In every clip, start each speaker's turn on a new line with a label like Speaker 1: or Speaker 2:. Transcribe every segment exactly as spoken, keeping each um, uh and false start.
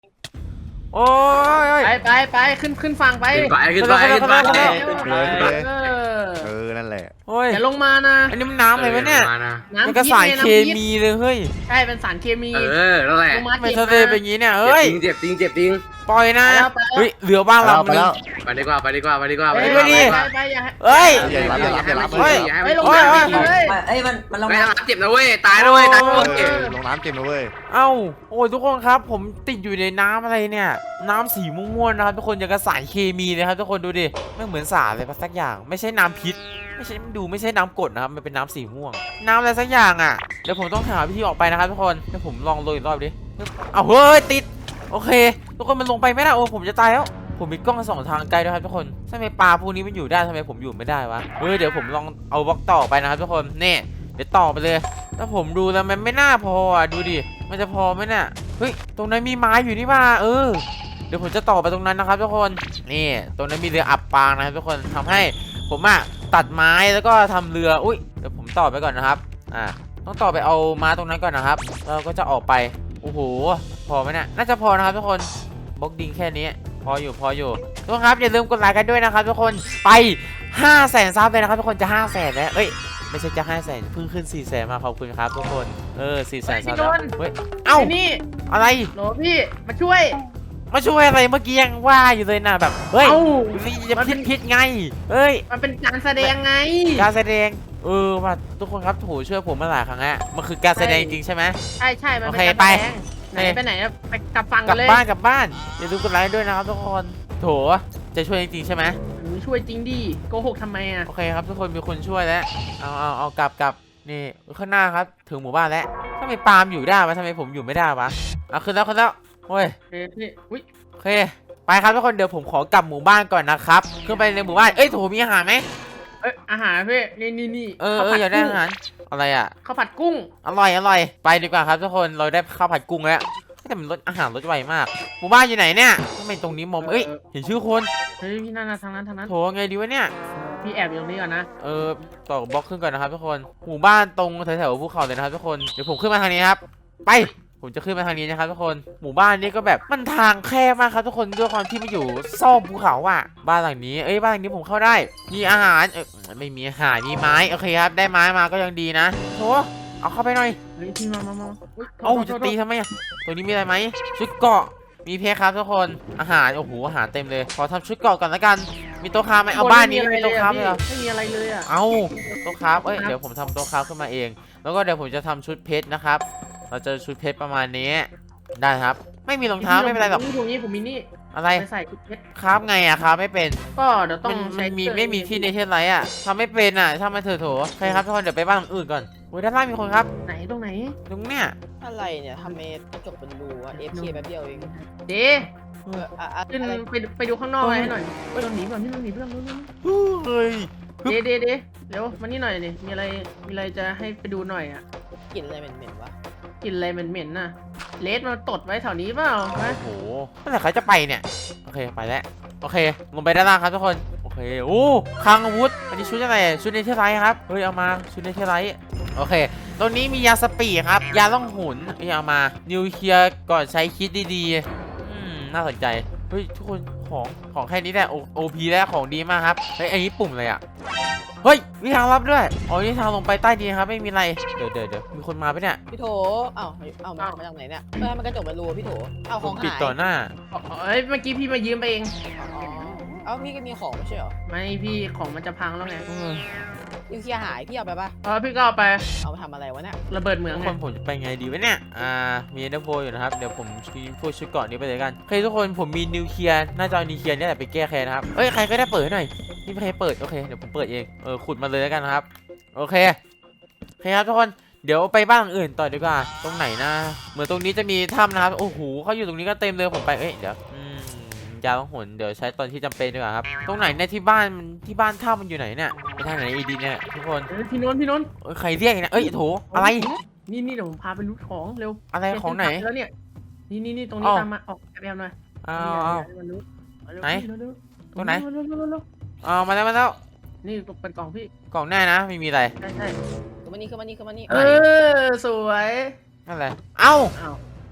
Speaker 1: โอ้ย
Speaker 2: ไปไปไปขึ้นขึ้นฝั่งไป
Speaker 3: ขึ้นไปขึ้นไปขึ้นไป
Speaker 2: ขึ้นไป
Speaker 4: เอ
Speaker 2: เออ
Speaker 4: เออนั่นแหละ
Speaker 1: โอ้ย
Speaker 2: อย่าลงมานะ
Speaker 1: อันนี้มันน้ำอะไรวะเนี่ย
Speaker 3: มานะ
Speaker 1: มัน
Speaker 2: น้ำ
Speaker 1: ก็
Speaker 2: พิษ
Speaker 1: สาร
Speaker 2: ไง
Speaker 1: เค
Speaker 2: น้ำพิษ
Speaker 1: มีเลยเฮ้ย
Speaker 2: ใช่เป็นสารเคมี
Speaker 3: เออนั่นแหละ
Speaker 2: ลงมา
Speaker 1: ทำไม
Speaker 2: เจ็บ
Speaker 1: ทะเลเป็นอย่างนี้เนี่ยเอ้ย
Speaker 3: เจ็บจริงเจ็บจริง
Speaker 1: ปล่อยนะ
Speaker 2: ไปแล้วไปแล้ว
Speaker 1: เฮ้ยเรือบ้านเรา
Speaker 4: ไปแล้ว
Speaker 3: ไปดีกว่าไปดีกว่าไปดีกว่า
Speaker 2: ไป
Speaker 3: ไป
Speaker 2: ไป
Speaker 3: ดีกว่า
Speaker 2: ไปไปอย่าให้
Speaker 1: เฮ้ย
Speaker 4: อย่ารับอย่ารับอย่ารับ
Speaker 3: เฮ้ย
Speaker 2: ไปลงน้ำอีกเลย
Speaker 5: เอ้ยมันมันลง
Speaker 3: ไม่
Speaker 5: มา
Speaker 3: ทำเจ็บนะเว้ยตายนะเว้ยตาย
Speaker 4: เอ
Speaker 3: นะเว้ย
Speaker 4: อลงน้ำเต็มเลยเว้ย
Speaker 1: เอ้าโอ้ยทุกคนครับผมติดอยู่ในน้ำอะไรเนี่ยน้ำสีม่วงๆนะครับทุกคนอย่างกับสารเคมีเลยครับทุกคนดูดิไม่เหมือนสารอะไรสักอย่างไม่ใช่น้ำพิษไม่ใช่ดูไม่ใช่น้ำกรดนะครับมันเป็นน้ำสีม่วงน้ำอะไรสักอย่างอ่ะเดี๋ยวผมต้องหาวิธีออกไปนะครับทุกคนเดี๋ยวผมลองโรยอีกรอบดิเอาเฮ้ยติดโอเคทุกคนมันลงไปไม่ได้โอ้ผมจะตายแล้วผมมีกล้องสองทางไกลด้วยครับทุกคนทำไมปลาพวกนี้มันอยู่ได้ทำไมผมอยู่ไม่ได้วะเฮ้ยเดี๋ยวผมลองเอาบล็อกต่อไปนะครับทุกคนนี่เดี๋ยวต่อไปเลยถ้าผมดูแล้วมันไม่น่าพออ่ะดูดิมันจะพอไหมเนี่ยเฮ้ยตรงนั้นมีไม้อยู่นี่มาเออเดี๋ยวผมจะต่อไปตรงนั้นนะครับทุกคนนี่ตรงนั้นมีเรืออับปางนะครับทุกคนทำให้ผมอ่ะตัดไม้แล้วก็ทำเรืออุ้ยเดี๋ยวผมต่อไปก่อนนะครับอ่าต้องต่อไปเอาม้าตรงนั้นก่อนนะครับแล้วก็จะออกไปโอ้โหพอไหมเนี่ยน่าจะพอนะครับทุกคนบล็อกดิงแค่นี้พออยู่พออยู่ทุกคนครับอย่าลืมกดไลค์กันด้วยนะครับทุกคนไปห้าแสนซับเลยนะครับทุกคนจะห้าแสนแล้วเอ้ยไม่ใช่จะห้าแสนเพิ่งขึ้นสี่แสนมาขอบคุณครับทุกคนเออสี่แสนซับแล้วเฮ้ยเอ้า
Speaker 2: ไอ้นี่
Speaker 1: อะไร
Speaker 2: โหลพี่มาช่วย
Speaker 1: มาช่วยอะไรเมื่อกี้ยังว่าอยู่เลยนะแบบเฮ้ย
Speaker 2: เอ้า
Speaker 1: จะพิษพิษไงเฮ้ย
Speaker 2: มันเป็นการแสดงไง
Speaker 1: การแสดงเออว่าทุกคนครับโถูช่วยผมมาหลายครั้งแล้วมันคือการแสดงจริงใช่ไหม
Speaker 2: ใช่ใช่มันเป็น
Speaker 1: โอเค
Speaker 2: การ
Speaker 1: ไป
Speaker 2: แสดงไหนไปไหนอะไปกลับฝั่ง
Speaker 1: ก
Speaker 2: กั
Speaker 1: ลั
Speaker 2: น
Speaker 1: บ
Speaker 2: เลย
Speaker 1: บ้านกลับบ้านอย่าลืมกดไลค์ด้วยนะครับทุกคนโถจะช่วยจริงๆใช่ไหม
Speaker 2: หนูช่วยจริงดิโกหกทำไมอะ
Speaker 1: โอเคครับทุกคนมีคนช่วยแล้วเอาเอาเอากลับกลับนี่ข้างหน้าครับถึงหมู่บ้านแล้วทำไมปาล์มอยู่ได้วะทำไมผมอยู่ไม่ได้วะเอาขึ้นแล้วขึ้นแล้วโอ้ย
Speaker 2: เฮ้ยพี่อุ้ย
Speaker 1: โอเคไปครับทุกคนเดี๋ยวผมขอกลับหมู่บ้านก่อนนะครับขึ้นไปในหมู่บ้านเอ้ยโถมีอาหารไหม
Speaker 2: เอ้ยอาหารพี่นี่นี่นี่
Speaker 1: เออเอออยากได้อาหารอะไรอ่ะ
Speaker 2: ข้าวผัดกุ้ง
Speaker 1: อร่อยอร่อยไปดีกว่าครับทุกคนเราได้ข้าวผัดกุ้งแล้วแต่มันรสอาหารรสไวมากหมู่บ้านอยู่ไหนเนี่ยทำไมตรงนี้มองเอ้ยเห็นชื่อคน
Speaker 2: เฮ้ยพี่นั่นนะทางนั้นทางนั้น
Speaker 1: โถไงดีวะเนี่ย
Speaker 2: พี่แอบอยู่ตรงนี้ก่อนนะ
Speaker 1: เออต่อบล็อกขึ้นก่อนนะครับทุกคนหมู่บ้านตรงแถวๆภูเขาเลยนะครับทุกคนเดี๋ยวผมขึ้นมาทางนี้ครับไปผมจะขึ้นมาทางนี้นะครับทุกคนหมู่บ้านนี้ก็แบบมันทางแคบมากครับทุกคนด้วยความที่มันอยู่ซอกภูเขาอ่ะบ้านหลังนี้เอ้ยบ้านหลังนี้ผมเข้าได้มีอาหารเออไม่มีอาหารมีไม้โอเคครับได้ไม้มาก็ยังดีนะโถเอาเข้าไปหน่อย
Speaker 2: เฮ้ยพี่มามามาอุ๊ยโทษ
Speaker 1: เอ้า
Speaker 2: โทษ
Speaker 1: จะ
Speaker 2: โทษ
Speaker 1: ตีทำไมอ่ะตัวนี้มีอะไรไหมชุดเกราะมีเพชรครับทุกคนอาหารโอ้โหอาหารเต็มเลยขอทำชุดเกราะก่อนละกันมีโต๊ะค้าไหมเอาบ้านนี้ไม่มีโต๊ะค้าเลยเหรอ
Speaker 2: ไม่มีอะไรเลยอะ
Speaker 1: เอาโต๊ะค้าเอ้ยเดี๋ยวผมทำโต๊ะค้าขึ้นมาเอง แล้วก็เดี๋ยวผมจะทำชุดเพชรนะครับเราจะชุดเพชรประมาณนี้ได้ครับไม่มีรองเท้าไม่เป็นไรหรอก
Speaker 2: นี่ตรงนี้ผมมีนี่
Speaker 1: อะไร
Speaker 2: ไปใส่ชุดเพชร
Speaker 1: ครับไงอะครับไม่เป็น
Speaker 2: ก็เดี๋ยวต้อ
Speaker 1: มั
Speaker 2: ง
Speaker 1: น
Speaker 2: ใช้
Speaker 1: มันมี
Speaker 2: เครื่อง
Speaker 1: ไม่มีที่ในเทศไรอะทำไม่เป็นอะทำมาเถอะโถใครครับทุกคนเดี๋ยวไปบ้านหลังอื่นก่อนโอ้ยด้านล่างมีคนครับ
Speaker 2: ไหนตรงไหน
Speaker 1: ตรงเนี้ย
Speaker 5: อะไรเนี่ยทำเมกระจกเป็นรูอะ เอฟ เค แป๊บเดียวเอง
Speaker 2: เจ๊
Speaker 5: เอออะอะ
Speaker 2: ขึ้น
Speaker 5: อะไร
Speaker 2: ไปไปดูข้างนอกอะไรให้หน่อยเฮ้ยเราหนีก่อนพี่เราหนีเพื่อนเร็ว
Speaker 1: เฮ้ย
Speaker 2: ๆเจ๊เจ๊เจ๊เดี๋ยวมานี่หน่อยดิมีอะไรมีอะไรจะให้ไปดูหน่อยอ่ะ
Speaker 5: กลิ่นอะไรเหม็นๆวะ
Speaker 2: กลินอะไรเหม็นๆน่ะเลสมาตดไว้แถวนี้เปล่าฮะ
Speaker 1: โอ้โหเมื่อไหร่เขาจะไปเนี่ยโอเคไปแล้วโอเคลงไปด้านล่างครับทุกคนโอเคโอ้คลังอาวุธอันนี้ชุดอะไรชุดเนเธอร์ไลท์ครับเฮ้ยเอามาชุดเนเธอร์ไลท์โอเคตรงนี้มียาสปีดครับยาล่องหุนเฮ้ยเอามานิวเคลียร์ก่อนใช้คิดดีๆอืมน่าสนใจเฮ้ยทุกคนของของแค่นี้แหละโอพีแล้วของดีมากครับเฮ้ยอันนี้ปุ่มอะไรอ่ะเฮ้ยมีทางลับด้วยอ๋อนี่ทางลงไปใต้ดินครับไม่มีอะไรเดี๋ยวเดี๋ยวเดี๋ยวมีคนมาปะเนี่ย
Speaker 5: พี่โถเอ้าเอ้ามามาจากไหนเนี่ยเออมันกระจกเป็นรูอะพี่โถเอ้า
Speaker 1: ผ
Speaker 5: ขอ
Speaker 1: ม
Speaker 5: ง
Speaker 1: ปิด
Speaker 5: หาย
Speaker 1: ต่อหน้า
Speaker 2: อ๋อเอ้ยเมื่อกี้พี่มายืมไปเอง
Speaker 5: อ๋อเอ้าพี่ก็มีของไม่ใช่เหรอ
Speaker 2: ไม่พี่ของมันจะพังแล้วไง
Speaker 1: เออ
Speaker 5: นิวเคลียร์หายพี่เอาไปปะ
Speaker 2: เออพี่ก็เอาไป
Speaker 5: เอาไปทำอะไรวะเนี่ย
Speaker 2: ระเบิดเหมือง
Speaker 1: ทุก
Speaker 2: ไง
Speaker 1: คนผมจะไปไงดีวะเนี่ย อ่า มีเอเดอร์โฟอยู่นะครับ เดี๋ยวผมมีพวกชุดเกราะนี้ไปเลยกันโอเคทุกคนผมมีนิวเคลียร์น่าจะเอานิวเคลียร์นี่แหละไปแก้แค้นนะครับ เอ้ยใครก็ได้เปิดให้หน่อยนี่ใครเปิดโอเคเดี๋ยวผมเปิดเอง เออขุดมาเลยแล้วกันนะครับ โอเคโอเคครับทุกคน เดี๋ยวไปบ้านหลังอื่นต่อดีกว่า ตรงไหนนะ เหมือนตรงนี้จะมีถ้ำนะครับ โอ้โหเขาอยู่ตรงนี้ก็เต็มเลยผมไป เอ้ยเดี๋ยวอืมยาล่องหนเดี๋ยวใช้ตอนที่จำเป็นดีกว่าครับ ตรงไหนเนี่ยที่บ้านมันที่บ้านถ้ำมันอยู่ไหนเนี่ยไปทางไหนอีดีเนี่ยทุกคน
Speaker 2: เอ้ยพี่นนท์พี่นนท์
Speaker 1: เอ้ยใครเรียกอีกนะเอ้ยโถอะไร
Speaker 2: นี่นี่เดี๋ยวผมพาไปรูทของเร็ว
Speaker 1: อะไรของไหน
Speaker 2: แล้วเนี่ยนี่นี่นี่ตรงนี้
Speaker 1: อ้าว
Speaker 2: ตามมาออกแอบๆหน่อย
Speaker 1: อ้าวอ้าว
Speaker 2: มารูทมารูท
Speaker 1: ไหน
Speaker 2: เร็วๆ
Speaker 1: ตรงไหน
Speaker 2: เร็วๆเร็วๆเร็ว
Speaker 1: อ๋อมาแล้วมาแล้ว
Speaker 2: ๆนี่เป็นกล่องพี่
Speaker 1: กล่องแน่นะไม่มีอะไร
Speaker 2: ใช่ใช่
Speaker 5: คือมันนี่คือมันนี่คือมันนี่
Speaker 2: เออสวย
Speaker 1: นั่นแหละเอ้า
Speaker 2: อ้าว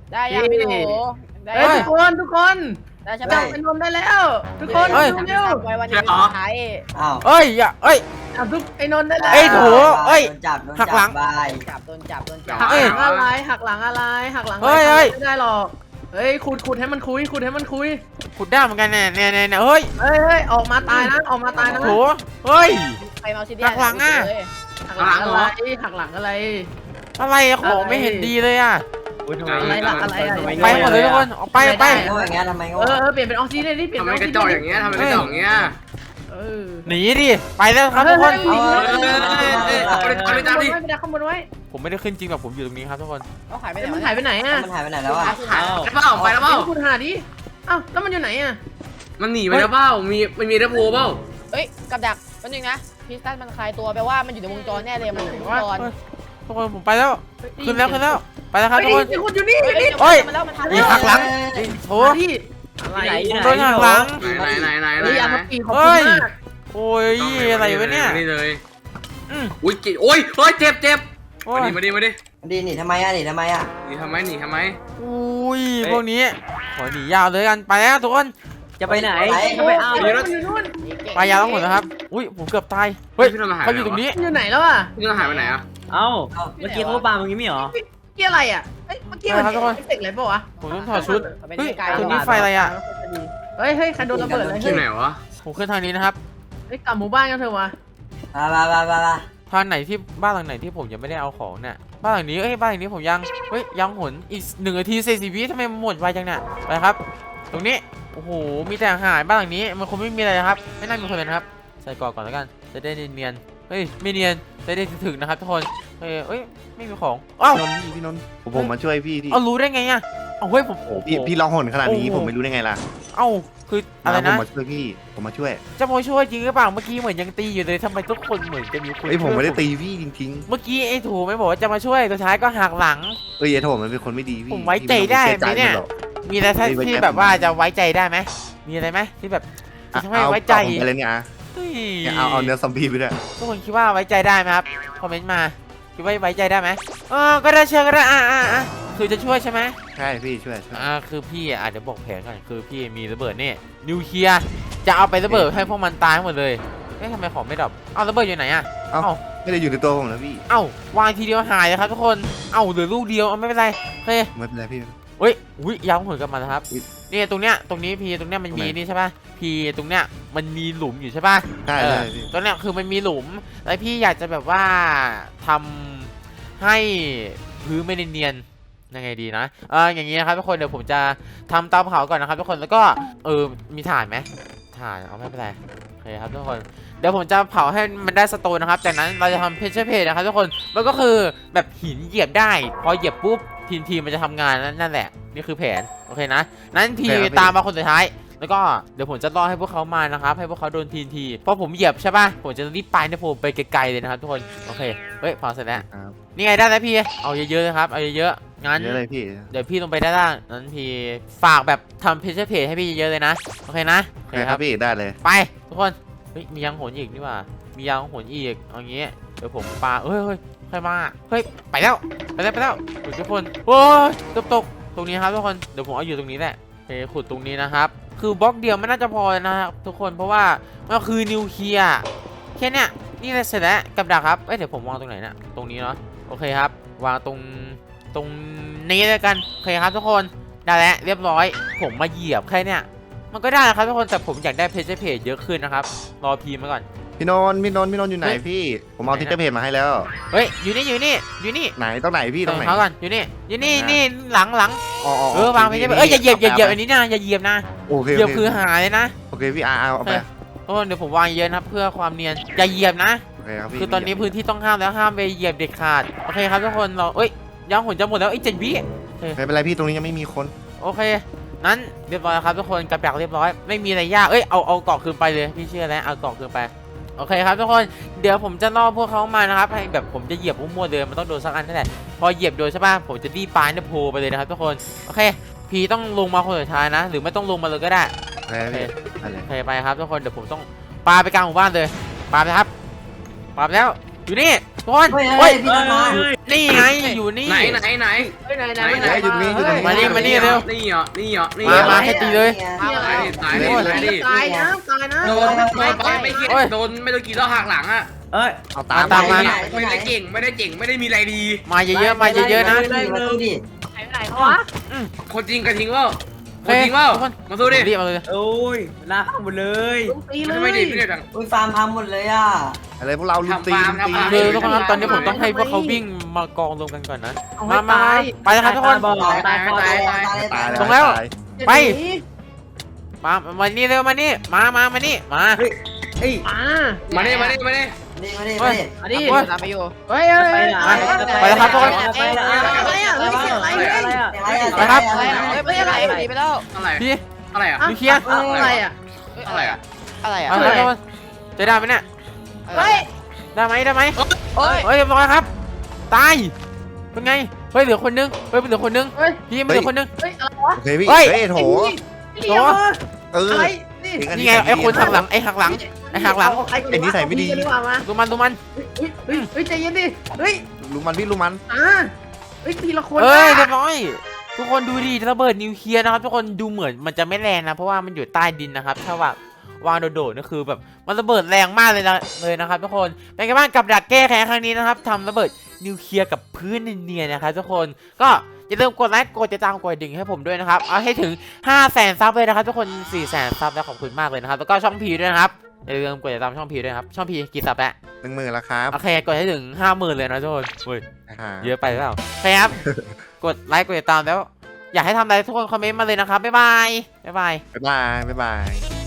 Speaker 5: ได้ยังพี่หนูได้
Speaker 2: เฮ้ย
Speaker 5: ยัง
Speaker 2: ทุกคนทุกคน
Speaker 5: ได้ใช่ไหม
Speaker 2: จับไอ้นนท์ได้แล้ว ทุกคน
Speaker 1: เฮ้ย
Speaker 2: ดูเร็ว
Speaker 5: ไว้วันนี้สุดท้าย
Speaker 6: อ้าว
Speaker 1: เอ้ยอย่าเอ้ย
Speaker 2: จับทุกไอ้นนท์ได้แล้ว
Speaker 1: เอ้ยโถ เอ้ย
Speaker 6: โดนจับโดน
Speaker 1: หั
Speaker 6: จั
Speaker 1: กหลัง
Speaker 6: บาย
Speaker 5: จับโดนจับโดนจับ
Speaker 2: หัก
Speaker 1: เอ้ย
Speaker 2: หลังอะไรหักหลังอะไรหักหลังอะไร
Speaker 1: เฮ้ยเฮ้ย
Speaker 2: ไม่ได้หรอกเฮ้ยขุดขุดให้มันคุยขุดให้มันคุย
Speaker 1: ขุดได้เหมือนกันเนี่ยเนี่ยเนี่ยเนี่ยเฮ้ย
Speaker 2: เฮ้ยเฮ้ยออกมาตายนะออกมาตายนะ
Speaker 1: โถเฮ้ย
Speaker 5: ใครมาซิเดีย
Speaker 1: หักหลังอะ
Speaker 2: หักหลังอะไรหักหลังอะไร
Speaker 1: อะไรอะของไม่เห็นดีเลยอะ
Speaker 2: อะไรล่ะอะไรอะ
Speaker 1: ไปหมดเลยทุกคนออกไปออกไป
Speaker 6: โง่อย่างเงี้ยทำไมโง่
Speaker 2: เออเออเปลี่ยนเป็นออกซิเดนดิเปลี่ยน
Speaker 3: ทำ
Speaker 2: เป็น
Speaker 3: ไม
Speaker 2: ออก
Speaker 3: ก
Speaker 2: ซิ
Speaker 3: ระ
Speaker 2: เดน
Speaker 3: จอกอย่างเงี้ยทำไมกระจอกอย่างเงี้ย
Speaker 2: เออ
Speaker 1: หนีดิไปแล้วครับทุกคน
Speaker 2: เฮ้ย
Speaker 3: เอ้ยเอาไปเอาไปตามดิ
Speaker 2: ไม่ได้ข้างบนไว้
Speaker 1: ผมไม่ได้ขึ้นจริงแบบผมอยู่ตรงนี้ครับทุกคน
Speaker 5: เขาหายไปไหน
Speaker 2: มันหายไปไหนอ่ะ
Speaker 6: มันหายไปไหนแล้วอ่ะ
Speaker 3: หายไปเปล่าไปแล้วเปล่า
Speaker 2: คุณหาดิอ้าวแล้วมันอยู่ไหนอ่ะ
Speaker 3: มันหนีไปแล้วเปล่ามีมันมีระโพเปล่า
Speaker 5: เฮ้ยกับดักแป๊บนึงนะพิสตันมันคลายตัวแปลว่ามันอยู่ในวงจรแน่เลยมันอยู่ในวงจร
Speaker 1: ทุกคนผมไปแล้วขึ้นแล้วขึ้นแล้วไปแล้วครับทุกคน
Speaker 2: มีคนอยู่นี่อยู่นี่
Speaker 1: เฮ้ย
Speaker 5: มันแล้วมันทำ
Speaker 1: อีกหักหลังโถ
Speaker 2: ที่อะไร
Speaker 1: โดนหักหลัง
Speaker 3: ไหนไหนไหนไหน
Speaker 2: เฮ้ย
Speaker 3: ไหน
Speaker 2: อา
Speaker 3: ไหน
Speaker 2: ทัพปีขอบคุณมาก
Speaker 1: โอ้ยอะไรวะเนี่ย
Speaker 3: นี่เลย
Speaker 1: อืม
Speaker 3: อุ้ยจิโอ้ยเฮ้ยเจ็บเจ็บ
Speaker 1: โอ้
Speaker 3: มาย ดิมาดิมาดิ
Speaker 6: ดีหนีทำไมอ่ะหนีทำไมอ่ะ
Speaker 3: หนีทำไมหนีทำไม
Speaker 1: อุ้ยพวกนี้ขอหนียาวเลยกันไปแล้วทุกคน
Speaker 7: จะไปไหน
Speaker 6: ไป
Speaker 7: จะไปเอา
Speaker 2: เดี๋ยวอยู่นู่น
Speaker 1: ไปยาวทั้งหมดนะครับอุ้ยผมเกือบตายเฮ้ยเขาอยู่ตรงนี้
Speaker 2: อยู่ไหนแล้วอ่ะ
Speaker 3: พี่ต้องหายไปไหนอ่ะ
Speaker 7: เอ้า เมื่อกี้เขาปาเมื่อกี้ไม่เหรอ
Speaker 2: เกี่ยอะไรอ่ะเอ้ยเมื่อกี้มันเอฟเฟกต์อะไรป่าวะ
Speaker 1: ผมต้องถอดชุด
Speaker 5: มันเป็น
Speaker 1: เฮ้ย
Speaker 5: ไกล
Speaker 1: ตรงนี้ไฟอะไรอ่ะ
Speaker 2: เฮ้ยเฮ้ยใครโดนระเบิดอะไร
Speaker 3: ที่
Speaker 2: เฮ้ย
Speaker 3: ไหนวะ
Speaker 1: ผมขึ้นทางนี้นะครับ
Speaker 2: เฮ้ยกลับหมู่บ้านกันเถอะวะ
Speaker 6: มามามามามา
Speaker 1: ทางไหนที่บ้านหลังไหนที่ผมยังไม่ได้เอาของเนี่ยบ้านหลังนี้เอ้ยบ้านหลังนี้ผมยังเฮ้ยยังหนอีกหนึ่งนาทีสี่สิบวิทำไมมันหมดไวจังเนี่ยไปครับ ตรงนี้โอ้โหมีแต่อาหารบ้านหลังนี้มันคงไม่มีอะไรนะครับไม่น่ามีคนเลยนะครับใส่กรอกก่อนแล้วกันจะได้เนียนๆเฮ้ยไม่เนียนจะได้ถึงนะครับทุกคนเฮ้ยเอ้ยไม่มีของอ้าว
Speaker 4: พี่นนท์พี่พี่นนท์ผมผมมาช่วยพี่ที่
Speaker 1: เอารู้ได้ไงอ่ะเอาเฮ้ยผม
Speaker 4: โอ้พี่พี่ร้องหนขนาดนี้
Speaker 1: โอ้โห
Speaker 4: ผมไม่รู้ได้ไงล่ะ
Speaker 1: เอ้าคืออะไร
Speaker 4: ผม
Speaker 1: นะ
Speaker 4: มาช่วยพี่ผมมาช่วย
Speaker 1: จะมาช่วยจริงหรือเปล่าเมื่อกี้เหมือนยังตีอยู่เลยทำไมทุกคนเหมือนจะมีคน
Speaker 4: เอ้ยผมไม่ได้
Speaker 1: ช่วย
Speaker 4: ตีพี่จริง
Speaker 1: เมื่อกี้ไอ้ถูไม่บอกว่าจะมาช่วยสุดท้ายก็หักหลัง
Speaker 4: ๆเอ้ยไอ้โถมันเป็นคนไม่ดีพี่
Speaker 1: ผมไว้ใจได้ไหมเนี่ย มีอะไรที่
Speaker 4: ไม่ไว้ใจ
Speaker 1: ที่แบบว่าจะไว้ใจได้ไหมมีอะไรไหมที่แบบ
Speaker 4: อ่ะ
Speaker 1: ทำให้
Speaker 4: เอา
Speaker 1: ไว้ใจ
Speaker 4: เอาผมไปเลยเนี่ยอ่ะ
Speaker 1: เฮ้ย
Speaker 4: เนี่ยเอาเอาเนื้อซอมบี้ไปด้วย
Speaker 1: ทุกคนคิดว่าไว้ใจได้ไหมครับคอมเมนต์มาคิดว่าไว้ใจได้ไหมเออก็ได้เชื่อก็ได้อ่าอ่าอ่าคือจะช่วยใช่ไหม
Speaker 4: ใช่พี่ช่วยช่วย
Speaker 1: อ่าคือพี่อ่ะเดี๋ยวบอกแผนก่อนคือพี่มีระเบิดนี่นิวเคลียร์จะเอาไประเบิดให้พวกมันตายหมดเลยเอ๊ะทำไมของไม่ดับเอาระเบิดอยู่ไหนอ่ะ
Speaker 4: เอ้า
Speaker 1: เอ้า
Speaker 4: ไม่ได้อยู่ในตัวผมนะพี่
Speaker 1: เอ้าวางทีเดียวหายเลยครับทุกคนเอ้าเหลือลูกเดียวเอาไม่เป็นไรโอเค
Speaker 4: ไม่เป็นไรพี่
Speaker 1: เฮ้ยอุ้ยย้ำผลกลับมานะครับ
Speaker 4: อุ๊ย
Speaker 1: นี่ตรงเนี้ยตรงนี้พีตรงเนี้ยมันมี
Speaker 4: ตรงไหน
Speaker 1: นี่ใช่ป่ะพีตรงเนี้ยมันมีหลุมอยู่ใช่ป่ะ
Speaker 4: ได้
Speaker 1: เอ
Speaker 4: ได้
Speaker 1: อ
Speaker 4: พี่
Speaker 1: ตรงเนี้ยคือมันมีหลุมแล้วพี่อยากจะแบบว่าทำให้พื้นไม่เนียนๆยังไงดีนะเอออย่างงี้นะครับทุกคนเดี๋ยวผมจะทำเตาเผาก่อนนะครับทุกคนแล้วก็เออมีถ่านไหมถ่านเอาไม่เป็นไรโอเคครับทุกคนเดี๋ยวผมจะเผาให้มันได้สโตนนะครับจากนั้นเราจะทำเพชรเพจนะครับทุกคนมันก็คือแบบหินเหยียบได้พอเหยียบปุ๊บทีมทีมมันจะทำงานนั่นแหละนี่คือแผนโอเคนะนั้นทีตามมาคนสุดท้ายแล้วก็เดี๋ยวผมจะรอให้พวกเขามานะครับให้พวกเขาโดนทีนทีพอผมเหยียบใช่ป่ะผมจะรีบไปนะผมไปไกลๆเลยนะครับทุกคนโอเคเฮ้ยพอเสร็จแล้ว
Speaker 4: ครับ
Speaker 1: นี่ไงได้แล้วพี่เอาเยอะๆนะครับเอาเยอะๆงั้น
Speaker 4: เยอะเลยพี่
Speaker 1: เดี๋ยวพี่ลงไปด้านล่างนั้นพี่ฝากแบบทำเพจเพจให้พี่เยอะๆเลยนะโอเคนะโอ
Speaker 4: โอ
Speaker 1: เค
Speaker 4: เค
Speaker 1: ค
Speaker 4: ค
Speaker 1: รั
Speaker 4: รั
Speaker 1: บบ
Speaker 4: พี่ได้เลย
Speaker 1: ไปทุกคนเฮ้ยมียังโหนอีกนี่หว่ามียังโหนอีกเอางี้เดี๋ยวผมปาเฮ้ยเฮ้ยใครมาเฮ้ยไปแล้วไปแล้วไปแล้วทุกคนโอ้ยตกตกตรงนี้ครับทุกคนเดี๋ยวผมเอาอยู่ตรงนี้แหละโอเคขุดตรงนี้นะครับคือบล็อกเดียวไม่น่าจะพอนะครับทุกคนเพราะว่ามันคือนิวเคลียร์แค่เนี้ยนี่เลยเสร็จแล้วกับดักครับเอ้ยเดี๋ยวผมวางตรงไหนเนี่ยตรงนี้เนาะโอเคครับวางตรงตรงนี้เลยกันโอเคครับทุกคนได้แล้วเรียบร้อยผมมาเหยียบแค่เนี้ยมันก็ได้นะครับทุกคนแต่ผมอยากได้เพจเพจเยอะขึ้นนะครับรอพีมาก่อน
Speaker 4: พี่นนท์พี่นนท์พี่นนท์อยู่ไหน
Speaker 1: เฮ้ย
Speaker 4: พี่ผมเอาทิกเกอร์เพจมาให้แล้ว
Speaker 1: เฮ้ยอยู่นี่อยู่นี่อยู่นี่
Speaker 4: ไหนตรงไหนพี่ตรงไหน
Speaker 1: เขาก่อนอยู่นี่อยู่นี่
Speaker 4: อ่านี่
Speaker 1: นี่หลังหลัง
Speaker 4: อ๋ออ๋อ
Speaker 1: เออวางไปใช่ไหมเอ้ยอย่าเหยียบอย่าเหยียบอันนี้นะอย่าเหยียบนะ
Speaker 4: โอเค
Speaker 1: เหยียบ
Speaker 4: โอเค
Speaker 1: คือหายเลยนะ
Speaker 4: โอเคพี่อาเอาเอาไป
Speaker 1: โอ้เดี๋ยวผมวางเยอะนะครับเพื่อความเนียนอย่าเหยียบนะ
Speaker 4: โอเคครับพี่
Speaker 1: คือตอนนี้พื้นที่ต้องห้ามแล้วห้ามไปเหยียบเด็ดขาดโอเคครับทุกคนเราเอ้ยยังหุ่นจะหมดแล้วไอ้ยเจ็ดวิ
Speaker 4: ไม่เป็นไรพี่ตรงนี้ยังไม่มีคน
Speaker 1: โอเคนั้นเรียบร้อยแล้วครับทุกคนกระดักเรียบร้อยไม่มีอะไรยากเอ้ยเอาเอาเกาะคืนไปเลยพี่เชื่อแล้วเอาเกาะคืนไปโอเคครับทุกคนเดี๋ยวผมจะล่อพวกเขามานะครับให้แบบผมจะเหยียบมั่วๆเดินมันต้องโดนสักอันนั่นแหละพอเหยียบโดนใช่ป่ะผมจะรีบปาในโพไปเลยนะครับทุกคนโอเคพีต้องลงมาคนสุดท้ายนะ หรือไม่ต้องลงมาเลยก็ได้
Speaker 4: โอเคพี่อะไร
Speaker 1: โอเคไปครับทุกคนเดี๋ยวผมต้องปาไปกลางหมู่บ้านเลยปาไปครับปาไปแล้วอยู่นี่ทุกคน
Speaker 6: เฮ้ย
Speaker 1: เฮ้
Speaker 6: เฮ้
Speaker 1: ย
Speaker 6: ยพี่ต้นมา
Speaker 1: นี่ไงอยู่นี่
Speaker 3: ไหนไหนไหน
Speaker 2: เฮ้ยไหนไหน
Speaker 3: ไหน
Speaker 2: ไหน
Speaker 4: เฮ้ยอยู่ตรงนี้อยู่ตรงนี้
Speaker 1: มานี่มานี่เร็ว
Speaker 3: นี่เหรอนี่เหรอนี่
Speaker 1: มา
Speaker 3: เหรอ
Speaker 1: มาให้ตีเลย
Speaker 3: ตายดิตายดิตายดิ
Speaker 2: ตายนะตายนะ
Speaker 3: โดนโดนไปไม่คิด
Speaker 1: โอ้ย
Speaker 3: โดนไม่โดนกี่รอบหักหลังอ่ะ
Speaker 7: เอ้ย
Speaker 4: เอาตาม
Speaker 1: ตามมา
Speaker 3: ไม่ได้เก่งไม่ได้เก่งไม่ได้มีอะไรดี
Speaker 1: มาเยอะๆมาเยอะๆนะ
Speaker 6: มาสู้ดิ
Speaker 2: ไหนไหนเขาวะ
Speaker 3: คนจริงกระทิงเปล่าคนจริงเปล่า
Speaker 1: ทุกคน
Speaker 3: มาสู้ดิ
Speaker 1: รีบมาเลย
Speaker 7: โอ้ยลาหมดเลย
Speaker 2: ลุงตีเล
Speaker 3: ทำไม
Speaker 2: ย
Speaker 3: ดิไม่ได้ดัง
Speaker 6: อุ้ยฟาร์มพังหมดเลยอ่ะ
Speaker 4: อะไรพวกเราลุมตี
Speaker 3: ทำฟาร์ม
Speaker 4: ลุมตี
Speaker 3: ทำฟาร์ม
Speaker 1: คือทุกคนครับตอนนี้ผมต้องให้พวกเขาวิ่งมากองรวมกันก่อนนะ
Speaker 2: เอาให้
Speaker 1: มามา
Speaker 2: ตาย
Speaker 1: ไปเลยครับทุกคน
Speaker 7: บอก
Speaker 6: ตายตายตายตาย
Speaker 4: ตาย
Speaker 1: ตรงแล้ว
Speaker 4: ตาย
Speaker 1: ไป
Speaker 2: จะหนี
Speaker 1: มามานี่เร็วมานี่มามามานี่มา
Speaker 7: เฮ้ยเอ้ย
Speaker 2: มา
Speaker 3: มาดิมาดิมาดิ
Speaker 6: นี่มาดิมาดิ
Speaker 2: อันนี้
Speaker 1: โอ้ย
Speaker 5: ตามไปอยู่
Speaker 2: เฮ้ยเฮ้ย
Speaker 7: ไป
Speaker 2: เฮ้ย
Speaker 7: ไหน
Speaker 1: ไปแล้วครับทุกคน
Speaker 7: ไปแล้ว
Speaker 2: อะไรอ่ะเฮ้ยเสียงอะไร
Speaker 7: อะไร
Speaker 2: เฮ้ย
Speaker 7: อะ
Speaker 1: ไปครับ
Speaker 5: อะไรอ่ะเฮ้ยไม่ใช่อะไรหนีไปแล้ว
Speaker 3: อะไร
Speaker 1: พี่
Speaker 3: อะไรอ่ะ
Speaker 1: ดูเคลียร์
Speaker 2: อะไรอ่ะ
Speaker 3: อะไรอ่ะ
Speaker 5: อะไรอ่ะ
Speaker 1: มาครับทุกคนจะได้ไหมเนี่ย
Speaker 2: เฮ้ย
Speaker 1: ได้ไหมได้ไหม
Speaker 5: เฮ้ย
Speaker 1: เฮ้ยเรียบร้อยครับตายเป็นไงเฮ้ยเหลือคนนึงเฮ้ยเหลือคนนึง
Speaker 2: เฮ้ย
Speaker 1: พี่มันเหลือคนนึง
Speaker 2: เฮ้ยอะไรวะ
Speaker 4: โอเคพี่
Speaker 1: เฮ้ย
Speaker 4: เฮ้ยโถ
Speaker 2: โถ่
Speaker 4: เออ
Speaker 2: อะไรนี่
Speaker 4: เองอั
Speaker 1: นี่ไงไอ้คนหักหลังไอ้หักหลังไอ้หักหลัง
Speaker 2: เอาใครก่อ
Speaker 4: ไอ้นิสัยไม่ดี
Speaker 2: เอาพี่กันดีกว่ามา
Speaker 1: ดูมันดูมัน
Speaker 2: เฮ้ยเฮ้ยเฮ้ยใจเย็นดิเฮ้ย
Speaker 4: ลุมมันพี่ลุมมัน
Speaker 2: อ่าเฮ้ยทีละคน
Speaker 1: เอ้ย
Speaker 2: นะ
Speaker 1: เรียบร้อยทุกคนดูดิระเบิดนิวเคลียร์นะครับทุกคนดูเหมือนมันจะไม่แรงนะเพราะว่ามันอยู่ใต้ดินนะครับถ้าว่าวางโดดๆนี่คือแบบมันระเบิดแรงมากเลยนะเลยนะครับทุกคนเป็นไงบ้างกับดักแก้แค้นครั้งนี้นะครับทำระเบิดนิวเคลียร์กับพื้นเนียนๆนะครับทุกคนก็อย่าลืมกดไลค์กดติดตามกดกระดิ่งให้ผมด้วยนะครับเอาให้ถึง ห้าแสน ซับเลยนะครับทุกคน สี่แสน ซับแล้วขอบคุณมากเลยนะครับแล้วก็ช่องพีด้วยนะครับอย่าลืมกดติดตามช่องพีด้วยนะครับช่องพีกี่ซับแล้ว
Speaker 4: หนึ่งหมื่นแล้วครับ
Speaker 1: โอเคกดให้ถึง ห้าหมื่น เลยนะทุกคนเฮ้ย
Speaker 4: อ่า
Speaker 1: เยอะไปหรือเปล่าโอเคครับ กดไลค์กดติดตามแล้ว อยากให้ทำอะไรทุกคนคอมเมนต์มาเลยนะครับ บ๊ายบาย บ๊ายบาย
Speaker 4: บ๊ายบายบ๊ายบาย